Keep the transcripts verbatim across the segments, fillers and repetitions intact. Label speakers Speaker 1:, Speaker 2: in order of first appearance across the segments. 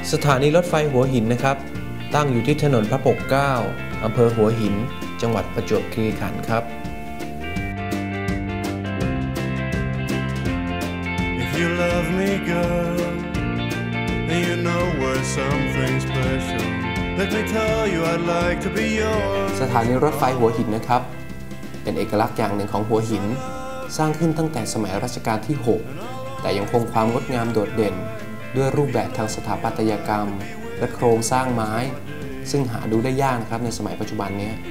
Speaker 1: สถานีรถไฟหัวหินนะครับตั้งอยู่ที่ถนนพระปกเกล้าอำเภอหัวหินจังหวัดประจวบคีรีขันธ์ครับ
Speaker 2: If you love me girl and you know we're something special let me tell you I'd like to be yours
Speaker 1: สถานีรถไฟหัวหินนะครับเป็นเอกลักษณ์อย่างหนึ่งของหัวหินสร้างขึ้นตั้งแต่สมัยรัชกาลที่หกแต่ยังคงความงดงามโดดเด่นด้วยรูปแบบทางสถาปัตยกรรมและโครงสร้างไม้ซึ่งหาดูได้ยากนะครับในสมัยปัจจุบันนี้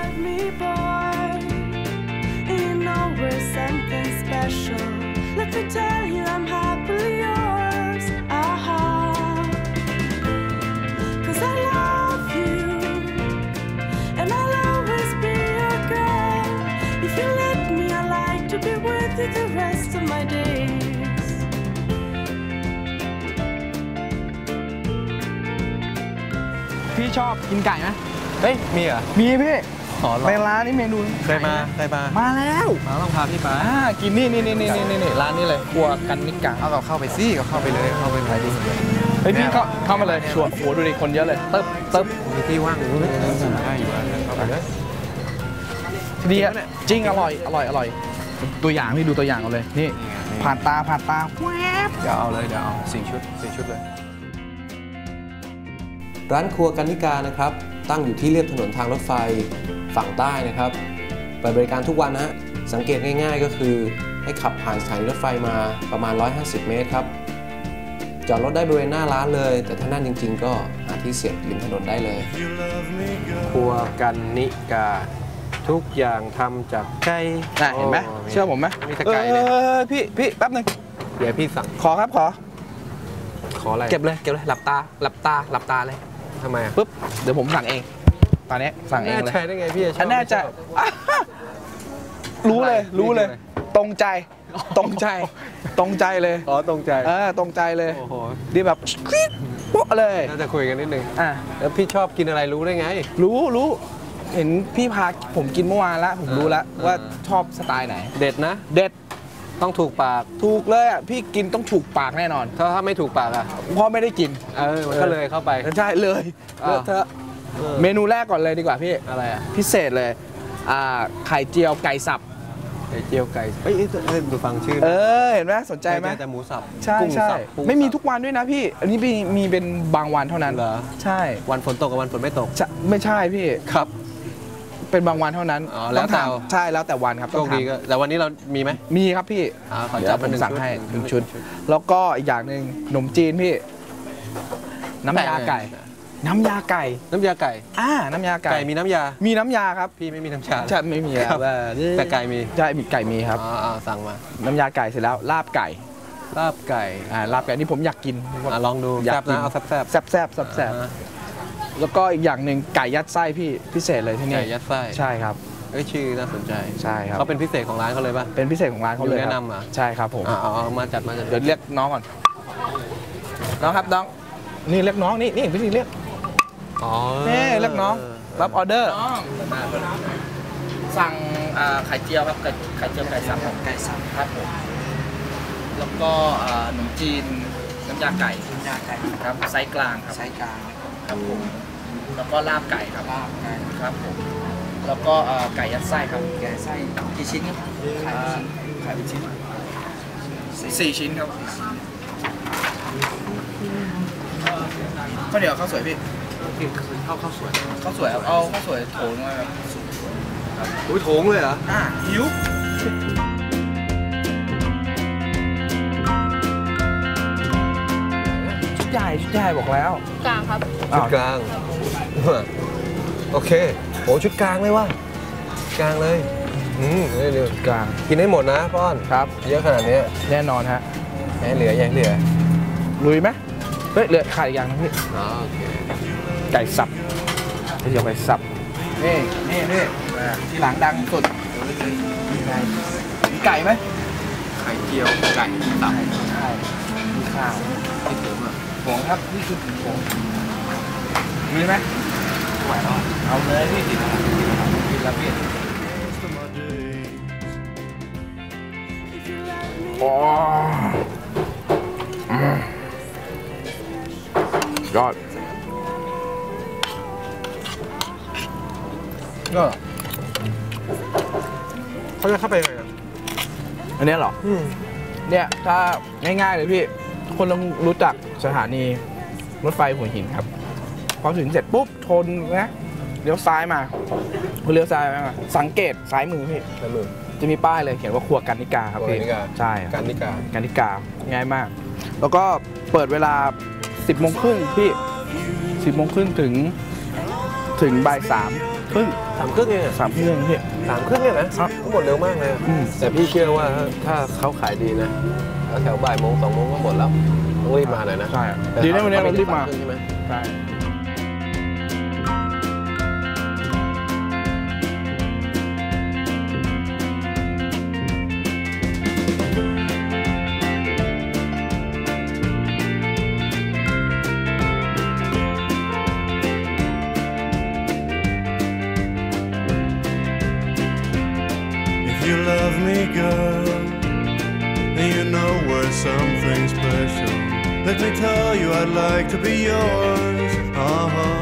Speaker 3: พี่ชอบกินไก่ไหม
Speaker 4: เฮ้ยมีเหรอ
Speaker 3: มีพี่
Speaker 4: ใน
Speaker 3: ร้านนี้เมนู
Speaker 4: เคยมาเคยมา
Speaker 3: มาแล้ว
Speaker 4: มาต้องพาพี่ไป
Speaker 3: กินนี่นี่นี่นี่นี่นี่ร้านนี้เลยครัวกันนิกา
Speaker 4: เอาเราเข้าไปสิก็เข้าไปเลยเข้าไปไหนดิ
Speaker 3: เฮ้ยพี่เข้าเข้ามาเลยชวนโหดูดิคนเยอะเลยเติบเติบ
Speaker 4: มีที่ว่างอยู่เลยได้อยู่เข้าไปเลย
Speaker 3: ดีอ่ะจริงอร่อยอร่อยอร่อยตัวอย่างนี่ดูตัวอย่างเอาเลยนี่ผ่านตาผ่านตาแวบ
Speaker 4: เดี๋ยวเอาเลยเดี๋ยวเอาสี่ชุดสี่ชุดเลย
Speaker 1: ร้านครัวกันนิกานะครับตั้งอยู่ที่เลียบถนนทางรถไฟฝั่งใต้นะครับเปิดบริการทุกวันนะฮะสังเกตง่ายๆก็คือให้ขับผ่านสถานีรถไฟมาประมาณหนึ่งร้อยห้าสิบเมตรครับจอดรถได้บริเวณหน้าร้านเลยแต่ถ้านั่นจริงๆก็หาที่เสียบริมถนนได้เลย
Speaker 4: ครัวกันนิกาทุกอย่างทำจากไก่
Speaker 3: เห็นไหมเชื่อผมไหม
Speaker 4: มีแต่ไก่เลย
Speaker 3: พี่พี่แป๊บนึง
Speaker 4: เดี๋ยวพี่สั่ง
Speaker 3: ขอครับขอ
Speaker 4: ขออะไร
Speaker 3: เก็บเลยเก็บเลยหลับตาหลับตาหลับตาเลย
Speaker 4: ทำไมอ่ะ
Speaker 3: ปุ๊บเดี๋ยวผมสั่งเองตอนนี้สั่งเองเลย
Speaker 4: ใช่ได้ไงพี่
Speaker 3: ฉันแน่ใจรู้เลยรู้เลยตรงใจตรงใจตรงใจเลย
Speaker 4: อ๋อตรงใจ
Speaker 3: เออตรงใจเลยโอ้โหดีแบบคลิ๊กโป๊ะเลย
Speaker 4: น่าจะคุยกันนิดนึง
Speaker 3: อ่ะ
Speaker 4: แล้วพี่ชอบกินอะไรรู้ได้ไง
Speaker 3: รู้รู้เห็นพี่พาผมกินเมื่อวานแล้วผมรู้แล้วว่าชอบสไตล์ไหน
Speaker 4: เด็ดนะ
Speaker 3: เด็ด
Speaker 4: ต้องถูกปาก
Speaker 3: ถูกเลยอ่ะพี่กินต้องถูกปากแน่นอน
Speaker 4: ถ้าถ้าไม่ถูกปากอ่ะ
Speaker 3: พ่อไม่ได้กิน
Speaker 4: เออมันก็เลยเข้าไป
Speaker 3: ใช่เลยเธอเมนูแรกก่อนเลยดีกว่าพี่
Speaker 4: อะไรอ่ะ
Speaker 3: พิเศษเลยอ่าไข่เจียวไก่สับ
Speaker 4: ไข่เจียวไก่เฮ้ยดูฟังชื่อ
Speaker 3: เออเห็นไหมสนใจไหม
Speaker 4: แต่หมูสับ
Speaker 3: ใช่ใช่ไม่มีทุกวันด้วยนะพี่อันนี้มีเป็นบางวันเท่านั้น
Speaker 4: เหรอ
Speaker 3: ใช่
Speaker 4: วันฝนตกกับวันฝนไม่ตก
Speaker 3: ไม่ใช่พี่
Speaker 4: ครับ
Speaker 3: เป็นบางวันเท่านั้น
Speaker 4: แล้วแต่
Speaker 3: ใช่แล้วแต่วันครับ
Speaker 4: โชคดีก็แต่วันนี้เรามีไหม
Speaker 3: มีครับพี่เดี๋ยวผมสั่งให้หนึ่งชุดแล้วก็อีกอย่างหนึ่งขนมจีนพี่น้ำยาไก่น้ำยาไก่
Speaker 4: น้ำยาไก่
Speaker 3: อ่าน้ำยาไก่
Speaker 4: ไก่มีน้ำยา
Speaker 3: มีน้ำยาครับ
Speaker 4: พี่ไม่มีน้ำยา
Speaker 3: ใช่ไม่มีครับ
Speaker 4: แต่ไก่มี
Speaker 3: ใช่มีไก่มีครับ
Speaker 4: อ๋อสั่งมา
Speaker 3: น้ำยาไก่เสร็จแล้วลาบไก่
Speaker 4: ลาบไก่
Speaker 3: อ่าลาบไก่นี่ผมอยากกิน
Speaker 4: ลองดู
Speaker 3: อยากนะ
Speaker 4: เอาแซ่บแซ่บ
Speaker 3: แซ่บแซ่บแซ่บแล้วก็อีกอย่างหนึ่งไก่ยัดไส้พี่พิเศษเลยที่นี่
Speaker 4: ไก่ยัดไส้
Speaker 3: ใช่ครับ
Speaker 4: เอ้ยชื่อน่าสนใจ
Speaker 3: ใช่ครับ
Speaker 4: เขาเป็นพิเศษของร้านเขาเลยป่ะ
Speaker 3: เป็นพิเศษของร้านเขาเลย
Speaker 4: แนะนำอ่ะ
Speaker 3: ใช่ครับผม
Speaker 4: อ๋อมาจัดมาจัด
Speaker 3: เดี๋ยวเรียกน้องก่อนน้องครับน้องนี่เรียกน้องนี่นี่พี่นี่เรียก
Speaker 4: อ๋อ
Speaker 3: นี่เรียกน้องรับออเดอร์สั่งไข่เจียวครับไข่เจียวไก่สับไก่สับครับผมแล้วก็ขนมจีนน้ำยาไก่น้ำยาไก่ครับไซส์กลางครับไซส์กลางครับผมแล้วก็ลาบไก่ครับลาบไก่ครับผมแล้วก็ไก่ยัดไส้ครับไก่ไส้กี่ชิ้นครับไข่ไข่ชิ้นสี่ชิ้นครับข้าวเหนียวข้าวสวยพี่
Speaker 4: ข้าวข้าวสวย
Speaker 3: ข้าวสวยครับเอาข้าวสวยโถงมาครับ
Speaker 4: อุ้ยโถงเลยเหรอ
Speaker 3: อ่าหิวชุดใหญ่ชุดใหญ่บอกแล้ว
Speaker 5: กลางครับ
Speaker 4: ชุดกลางโอเคโหชุดกลางเลยว่ะกลางเลยอืมเดี๋ยว
Speaker 3: กลาง
Speaker 4: กินให้หมดนะป้อน
Speaker 3: ครับ
Speaker 4: เยอะขนาดนี้
Speaker 3: แน่นอนฮะ
Speaker 4: แหมเหลือยังเหลือ
Speaker 3: ลุยไหมเฮ้ยเหลือขาดอีกอย่างนึงพี่
Speaker 4: อ๋อโอเค
Speaker 3: ไก่สับที่จะไปสับนี่นี่นี่ที่หลังดังสุดมีไก่ไหม
Speaker 4: ไข่เจียวไก่สับ
Speaker 3: ใช่มีข้าว
Speaker 4: ที่ถึงอ่ะ
Speaker 3: ผงครับนี่คือผงมีไหมไหวแล้วเอาเลยพี่กินกินแล้วพี่โอ้
Speaker 5: ยอดก็เขาจะเข้าไปยังไงอ่ะอันนี้เหรอเนี่ยถ้าง่ายๆเลยพี่คนต้องรู้จักสถานีรถไฟหัวหินครับพอถึงเสร็จปุ๊บชนนะเลี้ยวซ้ายมาเลี้ยวซ้ายมาสังเกตซ้ายมือพี่ซ้ายมือจะมีป้ายเลยเขียนว่าครัวกันนิกาครับพี่ใช่กันนิกากันนิกาง่ายมาก แล้วก็เปิดเวลาสิบโมงครึ่งพี่สิบโมงครึ่งถึงถึงบ่ายสามครึ่ง
Speaker 4: สามครึ่งเองส
Speaker 5: ามครึ่งพี่
Speaker 4: สามครึ่งเนี่ยนะทั้งหมดเร็วมากเลยแต่พี่เชื่อว่าถ้าเขาขายดีนะแถวบ่ายโมงสองโมงก็หมดแล้วต้องรีบมาหน่อยนะ
Speaker 5: ใช่ดีนะวันนี้เรารีบมา
Speaker 4: ใช่ไหม
Speaker 5: ใช่
Speaker 2: You love me, girl, and you know we're something special. Let me tell you, I'd like to be yours. Uh-huh.